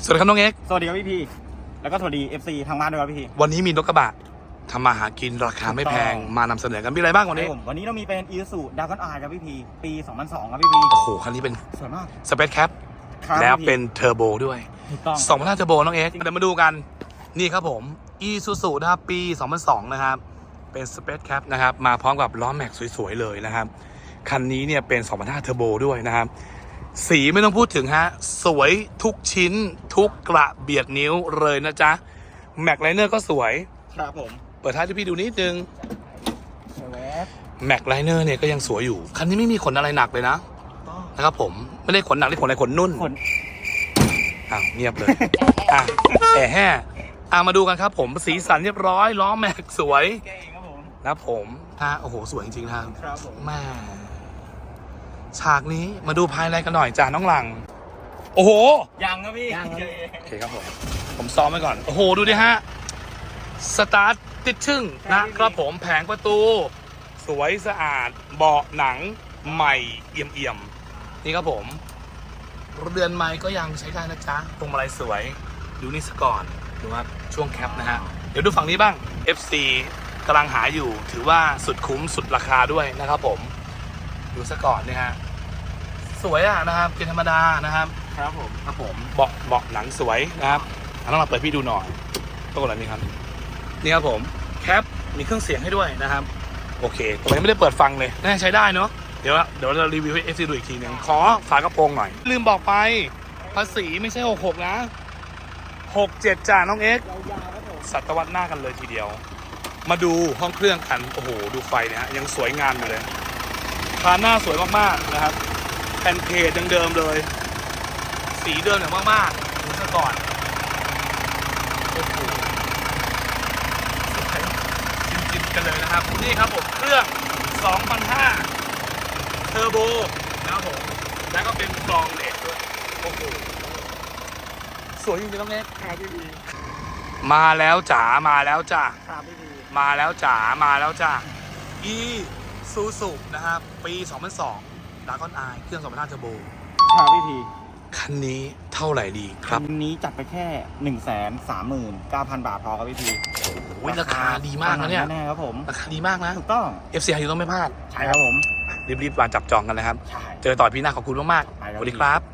สวัสดีครับน้องเอ็กซ์สวัสดีครับพี่แล้วก็สวัสดี FC ทางบ้านด้วยครับพี่วันนี้มีรถกระบะทำมาหากินราคาไม่แพงมานำเสนอกันมีอะไรบ้างวันนี้วันนี้เรามีเป็น Isuzu Dragon R ครับพี่ปี 2002 ครับพี่โอ้โหคันนี้เป็นสวยมากสเปซแคปครับแล้วพี่เป็นเทอร์โบด้วยถูกต้อง 2.5เทอร์โบน้องเอ็กซ์เดี๋ยวมาดูกันนี่ครับผม Isuzu นะครับปี 2002 นะครับเป็นสเปซแคปนะครับมาพร้อมกับล้อแม็กสวยๆเลยนะครับคันนี้เนี่ยเป็น 2.5เทอร์โบด้วยนะครับสีไม่ต้องพูดถึงฮะสวยทุกชิ้นทุกกระเบียดนิ้วเลยนะจ๊ะแม็กไลเนอร์ก็สวยครับผมเปิดท้ายให้พี่ดูนิดนึงแวบแม็กไลเนอร์เนี่ยก็ยังสวยอยู่ คันนี้ไม่มีขนอะไรหนักเลยนะต้องนะครับผมไม่ได้ขนหนักได้ขนอะไรขนนุ่นขนอ้าวเงียบเลย อ่ะแห่มาดูกันครับผมสีสันเรียบร้อยล้อแม็กสวยแกเองครับผมนะครับผมโอ้โหสวยจริงๆนะครับครับผมแม่ฉากนี้มาดูภายในกันหน่อยจ้าน้องหลัง โอ้โหยังครับพี่โอเคครับผมซ้อมไว้ก่อนโอ้โหดูดิฮะสตาร์ทติดชึ่งนะครับผมแผงประตู สวยสะอาดเบาะหนังใหม่เอี่ยมๆนี่ครับผมเรือนไม้ก็ยังใช้ได้นะจ๊ะพวงมาลัยสวยดูนี่ซะก่อนดูว่าช่วงแคปนะฮะเดี๋ยวดูฝั่งนี้บ้าง FC กำลังหาอยู่ถือว่าสุดคุ้มสุดราคาด้วยนะครับผมดูซะก่อนเนี่ยฮะสวยอ่ะนะครับเป็นธรรมดานะครับครับผมครับผมเบาะหนังสวยนะครับต้องมาเปิดพี่ดูหน่อยตัวอะไรนี่ครับนี่ครับผมแคปมีเครื่องเสียงให้ด้วยนะครับโอเคตรงนี้ไม่ได้เปิดฟังเลยน่าใช้ได้เนาะเดี๋ยวเรารีวิวให้ FC ดูอีกทีหนึ่งขอฝากระโปรงหน่อยลืมบอกไปภาษีไม่ใช่66นะ67จ้าน้องเอ็กซ์ยาวๆครับผมศตวรรษหน้ากันเลยทีเดียวมาดูห้องเครื่องกันโอ้โหดูไฟเนี่ยฮะยังสวยงามอยู่เลยคานหน้าสวยมากๆนะครับแผ่นเพจยังเดิมเลยสีเดิมอย่างมากๆดูซะก่อนโอ้โหสวยจริงๆกันเลยนะครับนี่ครับผมเครื่อง 2,500 เทอร์โบนะครับผมแล้วก็เป็นกรองเหล็กด้วยโอ้โหสวยจริงๆน้องเน็กครับพี่มาแล้วจ๋ามาแล้วจ้าครับพี่มาแล้วจ๋ามาแล้วจ้าอีซูซูนะครับปี 2002 Dragon R เครื่อง 2.5 เทอร์โบครับพี่คันนี้เท่าไหร่ดีครับวันนี้จัดไปแค่ 139,000 บาทพอครับพี่โอ้ยราคาดีมากนะเนี่ยแน่ๆครับผมราคาดีมากนะถูกต้อง FC อยู่ต้องไม่พลาดใช่ครับผมรีบๆมาจับจองกันเลยครับใช่เจอต่อพี่หน้าขอบคุณมากไปๆครับสวัสดีครับ